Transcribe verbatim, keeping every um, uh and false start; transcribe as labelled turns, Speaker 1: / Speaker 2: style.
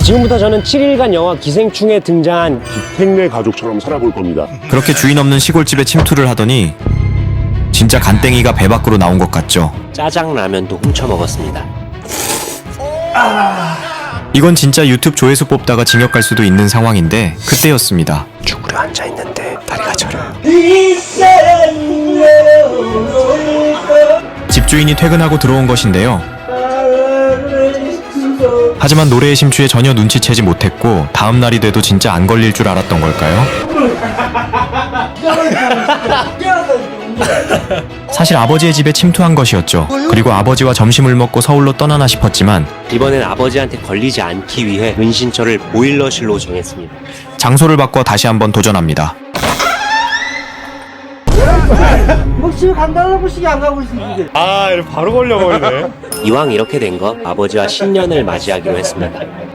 Speaker 1: 지금부터 저는 칠 일간 영화 기생충에 등장한
Speaker 2: 생내 가족처럼 살아볼 겁니다.
Speaker 3: 그렇게 주인 없는 시골집에 침투를 하더니 진짜 간땡이가 배 밖으로 나온 것 같죠.
Speaker 1: 짜장라면도 훔쳐 먹었습니다.
Speaker 3: 이건 진짜 유튜브 조회수 뽑다가 징역 갈 수도 있는 상황인데 그때였습니다.
Speaker 1: 죽으려 앉아있는데 다리가 저려요.
Speaker 3: 집주인이 퇴근하고 들어온 것인데요. 하지만 노래의 심취에 전혀 눈치채지 못했고 다음 날이 돼도 진짜 안 걸릴 줄 알았던 걸까요? 사실 아버지의 집에 침투한 것이었죠. 그리고 아버지와 점심을 먹고 서울로 떠나나 싶었지만
Speaker 1: 이번엔 아버지한테 걸리지 않기 위해 은신처를 보일러실로 정했습니다.
Speaker 3: 장소를 바꿔 다시 한번 도전합니다.
Speaker 4: 뭐 집에 간다는 것이 안 가고 있으니
Speaker 5: 아, 바로 걸려버리네.
Speaker 1: 이왕 이렇게 된 거 아버지와 신년을 맞이하기로 했습니다.